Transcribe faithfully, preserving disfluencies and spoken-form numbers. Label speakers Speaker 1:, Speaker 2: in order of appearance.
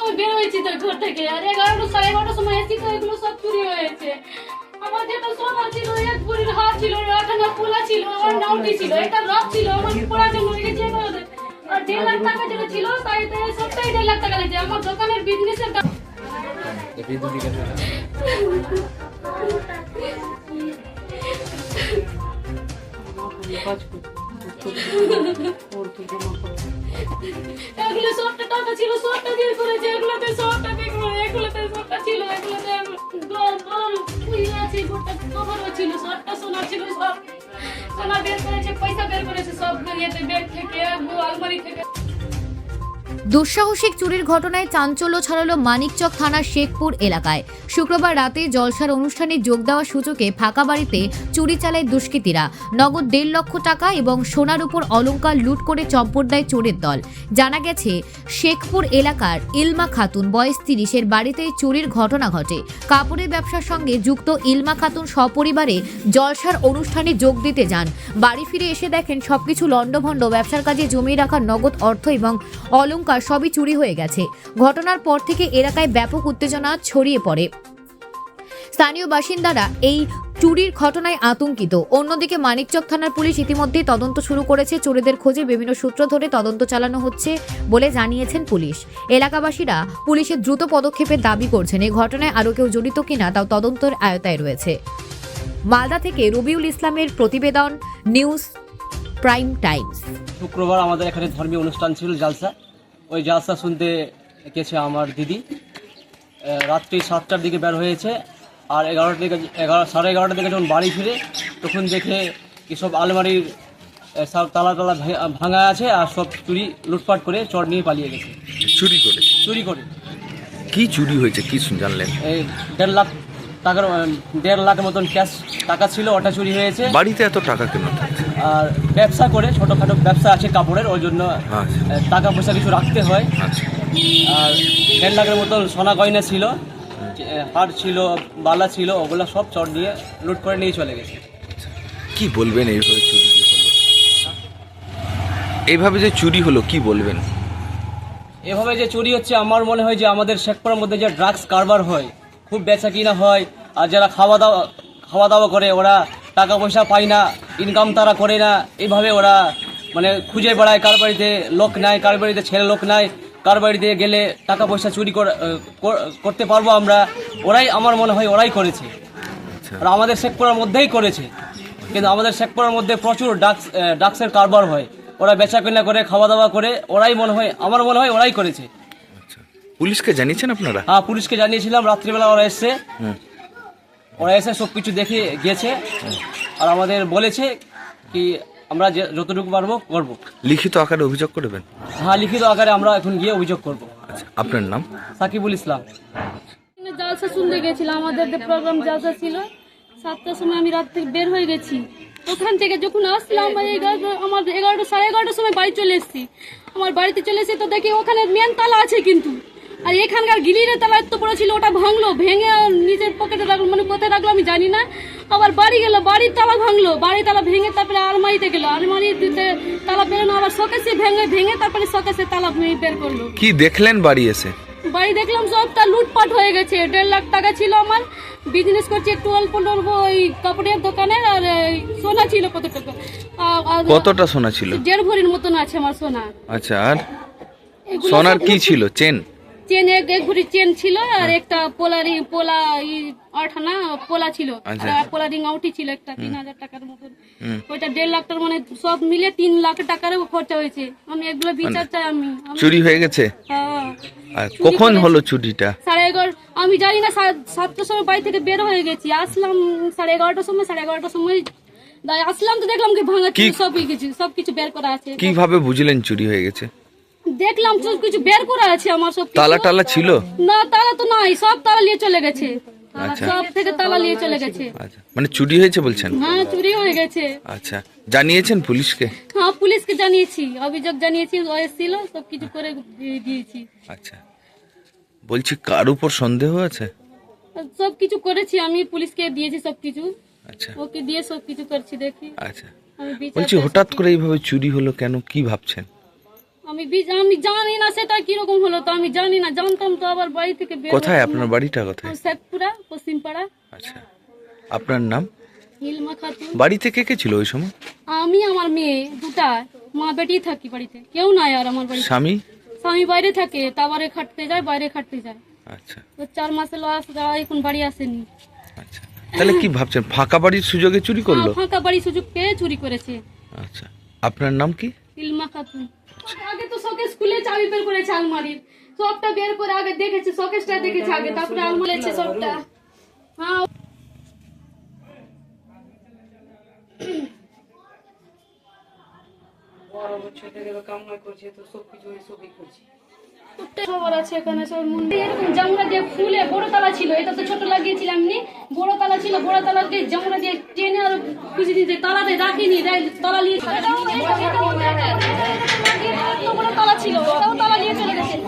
Speaker 1: সময় বের হয়েছি তো ঘর থেকে, আর এগারোটা সাড়ে এগারোটার সময় এসি তো এগুলো সব চুরি হয়েছে। আমার যেটা সোনা ছিল, এক ভরির হাত ছিল, আটানা পোলা ছিল, আমার নাউটি ছিল, একটা রক ছিল, আমার পড়ার জন্য রেখেছে। আর দেড় লাখ টাকা যেটা ছিল তাই তাই সবটাই দেড় লাখ টাকা লেগেছে আমার দোকানের বিজনেসের। এগুলো সবটা টাকা ছিল, সবটা বের করেছে, এগুলোতে সবটা বের করে, এগুলোতে সবটা ছিল, এগুলোতে গোল গোল ইয়ে আছে, গোটা কভারও ছিল, সবটা সোনা ছিল, সব সোনা বের করেছে, পয়সা বের করেছে সব ইয়েতে, ব্যাগ থেকে, আলমারি থেকে।
Speaker 2: দুঃসাহসিক চুরির ঘটনায় চাঞ্চল্য ছড়ালো মানিকচক থানার শেখপুর এলাকায়। শুক্রবার রাতে জলসার অনুষ্ঠানে যোগ দেওয়ার সূচকে ফাঁকা বাড়িতে চুরি চালায় দুষ্কৃতীরা। নগদ দেড় লক্ষ টাকা এবং সোনার উপর অলংকার লুট করে চম্পট দেয় চোরের দল। জানা গেছে, শেখপুর এলাকার ইলমা খাতুন বয়স তিরিশের বাড়িতে চুরির ঘটনা ঘটে। কাপড়ের ব্যবসার সঙ্গে যুক্ত ইলমা খাতুন সপরিবারে জলসার অনুষ্ঠানে যোগ দিতে যান। বাড়ি ফিরে এসে দেখেন সবকিছু লণ্ডভণ্ড, ব্যবসার কাজে জমিয়ে রাখা নগদ অর্থ এবং অলংকার সবই চুরি হয়ে গেছে। ঘটনার পর থেকে এলাকায় ব্যাপক উত্তেজনা ছড়িয়ে পড়ে। স্থানীয় বাসিন্দারা এই চুরির ঘটনায় আতঙ্কিত। অন্যদিকে মানিকচক থানার পুলিশ ইতিমধ্যে তদন্ত শুরু করেছে। চোরেদের খোঁজে বিভিন্ন সূত্র ধরে তদন্ত চালানো হচ্ছে বলে জানিয়েছেন পুলিশ। এলাকাবাসীরা পুলিশের দ্রুত পদক্ষেপের দাবি করছেন। এই ঘটনায় আরও কেউ জড়িত কিনা তাও তদন্তের আয়তায় রয়েছে। মালদা থেকে রবিউল ইসলামের প্রতিবেদন, নিউজ প্রাইম টাইমস।
Speaker 3: শুক্রবার আমাদের এখানে ধর্মীয় অনুষ্ঠান ছিল, জালসা। ওই জালসা শুনতে গেছে আমার দিদি। রাত্রি সাতটার দিকে বের হয়েছে, আর এগারোটার দিকে এগারো সাড়ে এগারোটার দিকে যখন বাড়ি ফিরে তখন দেখে কি সব আলমারির সব তালা তালা ভাঙা আছে, আর সব চুরি লুটপাট করে চোর নিয়ে পালিয়ে গেছে।
Speaker 4: চুরি করে
Speaker 3: চুরি করে
Speaker 4: কি চুরি হয়েছে কি জানলেন?
Speaker 3: এই দেড় লাখ টাকার দেড় লাখ মতন ক্যাশ টাকা ছিল, ওটা চুরি হয়েছে।
Speaker 4: বাড়িতে এত টাকা কেন থাকছে?
Speaker 3: আর ব্যবসা করে, ছোটোখাটো ব্যবসা আছে কাপড়ের, ওই জন্য
Speaker 4: আচ্ছা।
Speaker 3: টাকা পয়সা কিছু রাখতে হয়।
Speaker 4: আচ্ছা।
Speaker 3: আর দেড় লাখের মতন সোনা গয়না ছিল, হার ছিল, বালা ছিল, ওগুলো সব চোর নিয়ে লুট করে নিয়ে চলে গেছে।
Speaker 4: কি বলবেন এইভাবে চুরি যে হলো? এইভাবে যে চুরি হলো কি বলবেন?
Speaker 3: এভাবে যে চুরি হচ্ছে, আমার মনে হয় যে আমাদের শেখপুরের মধ্যে যে ড্রাগস কারবার হয়, খুব বেচা কিনা হয়, আর যারা খাওয়া দাওয়া খাওয়া দাওয়া করে ওরা টাকা পয়সা পায় না, ইনকাম তারা করে না, এইভাবে ওরা মানে খুঁজে বেড়ায়, কার বাড়িতে লোক নাই, কার বাড়িতে ছেলে লোক নাই, কার বাড়িতে গেলে টাকা পয়সা চুরি করতে পারবো আমরা, ওরাই আমার মনে হয় ওরাই করেছে। আর আমাদের শেখপুরের মধ্যেই করেছে, কিন্তু আমাদের শেখপুরের মধ্যে প্রচুর ড্রাগস ড্রাগসের কারবার হয়, ওরা বেচা কিনা করে, খাওয়া দাওয়া করে, ওরাই মনে হয় আমার মনে হয় ওরাই করেছে।
Speaker 4: পুলিশকে জানিয়েছেন আপনারা?
Speaker 3: হ্যাঁ, পুলিশকে জানিয়েছিলাম, রাত্রিবেলা ওরা এসছে, ওরা এসে সব কিছু দেখে গিয়েছে, আর আমাদের বলেছে কি আমরা যতটুকু পারবো করবো।
Speaker 4: লিখিত আকারে অভিযোগ করবেন?
Speaker 3: হ্যাঁ, লিখিত আকারে আমরা এখন গিয়ে অভিযোগ করবো।
Speaker 4: আচ্ছা, আপনার নাম?
Speaker 3: সাকিবুল ইসলাম।
Speaker 1: জালসা শুনতে গেছিলাম, আমাদের যে প্রোগ্রাম জালসা ছিল, সাতটার সময় আমি রাত থেকে বের হয়ে গেছি। ওখান থেকে যখন আসলাম আমার এগারোটা সাড়ে এগারোটার সময় বাড়ি চলে এসেছি। আমার বাড়িতে চলে এসে তো দেখি ওখানে মেন তালা আছে, কিন্তু আর এখানকার গিলিরের তালা এত বড় ছিল, ওটা ভাঙলো, ভেঙে নিজের পকেটে রাখলো, মানে কোথায় রাখলো আমি জানি না। আবার বাড়ি গেল, বাড়ির তালা ভাঙলো, বাড়ির তালা ভেঙে তারপরে আলমারিতে গেলো, আলমারিতে তালা বেরোনো, আবার শোকেসে ভেঙে ভেঙে তারপরে শোকেসে তালা বের করলো।
Speaker 4: কি দেখলেন বাড়ি এসে?
Speaker 1: বাড়ি দেখলাম সবটা লুটপাট হয়ে গেছে। দেড় লাখ টাকা ছিল, আমার বিজনেস করছি একটু অল্প অল্প ওই কাপড়ের দোকানে, আর সোনা ছিল কত টাকা,
Speaker 4: কতটা সোনা ছিল?
Speaker 1: দেড় ভরির মতন আছে আমার সোনা।
Speaker 4: আচ্ছা, আর সোনার কি ছিল? চেন
Speaker 1: চেন এক এক ভরি চেন ছিল, আর একটা পোলারি পোলা আঠানা পোলা ছিল, আর পোলা রিং আউটি ছিল একটা তিন হাজার টাকার মতন। ওইটা দেড় লাখ টাকার, মানে সব মিলে তিন লাখ টাকারও খরচা হয়েছে। আমি এগুলো বিচার চাই। আমি
Speaker 4: চুরি হয়ে গেছে?
Speaker 1: হ্যাঁ।
Speaker 4: আর কখন হলো চুরিটা?
Speaker 1: সাড়ে এগারো, আমি জানি না, সাতটার সময় বাড়ি থেকে বের হয়ে গেছি, আসলাম সাড়ে এগারোটার সময়। সাড়ে এগারোটার সময় আসলাম তো দেখলাম কি ভাঙা ছিল, সব কিছু সব কিছু বের করা আছে।
Speaker 4: কিভাবে বুঝলেন চুরি হয়ে গেছে?
Speaker 1: দেখলাম সব কিছু বের করা আছে আমার, সব
Speaker 4: তালা টালা ছিল
Speaker 1: না? তালা তো নাই, সব তালা নিয়ে চলে গেছে, সব থেকে তালা নিয়ে চলে গেছে।
Speaker 4: আচ্ছা, মানে চুরি হয়েছে বলছেন?
Speaker 1: হ্যাঁ, চুরি হয়ে গেছে।
Speaker 4: আচ্ছা, জানিয়েছেন পুলিশকে?
Speaker 1: হ্যাঁ, পুলিশকে জানিয়েছি, অভিযোগ জানিয়েছি, এসেছিল, সব কিছু করে দিয়েছি।
Speaker 4: আচ্ছা, বলছি কার উপর সন্দেহ আছে?
Speaker 1: সব কিছু করেছি আমি, পুলিশকে দিয়েছি সব কিছু।
Speaker 4: আচ্ছা,
Speaker 1: ওকে দিয়ে সব কিছু করছি, দেখি।
Speaker 4: আচ্ছা, বলছি হঠাৎ করে এইভাবে চুরি হলো কেন, কি ভাবছেন?
Speaker 1: আমি বি- আমি জানি না সেটা কিরকম হলো, তো আমি জানি না, জানতাম তো আবার বাড়ি থেকে বের
Speaker 4: কোথায়
Speaker 1: হতাম
Speaker 4: আপনার
Speaker 1: না।
Speaker 4: বাড়িটা কোথায়?
Speaker 1: আমার শেখপুরা পশ্চিমপাড়া।
Speaker 4: আচ্ছা, আপনার নাম?
Speaker 1: নীলমা খাতুন।
Speaker 4: বাড়িতে কে কে ছিল ওই সময়?
Speaker 1: আমি আমার মেয়ে দুটা, মা বেটি থাকি বাড়িতে, কেউ নাই আর আমার বাড়িতে।
Speaker 4: স্বামী?
Speaker 1: স্বামী বাইরে থাকে, তারপরে খাটতে যায়, বাইরে খাটতে যায়।
Speaker 4: আচ্ছা
Speaker 1: তো চার মাসে লস যাওয়া, এখন বাড়ি আসেনি।
Speaker 4: আচ্ছা, তাহলে কি ভাবছেন, ফাঁকা বাড়ির সুযোগে চুরি করলো?
Speaker 1: হ্যাঁ, ফাঁকা বাড়ি সুযোগ পেয়ে চুরি করেছে।
Speaker 4: আচ্ছা, আপনার নাম কি?
Speaker 1: নীলমা খাতুন। আগে তো শোকেস খুলে চাবি বের করেছে আলমারির, সবটা বের করে আগে দেখেছে, শোকেসটা দেখেছে আগে, তারপরে আলমারিছে সবটা। হ্যাঁ, প্রত্যেক খবর আছে এখানে সব মন্দির। এরকম জামরা দিয়ে ফুলে বড় তালা ছিল, এটা তো ছোট লাগিয়েছিলাম নি, বড় তালা ছিল, বড় তালা দিয়ে জামরা দিয়ে টেনে আর খুঁজে দিতে, তালাতে রাখিনি, তালা নিয়ে এত বড় তালা ছিল, ওটাও তালা নিয়ে চলে গেছে।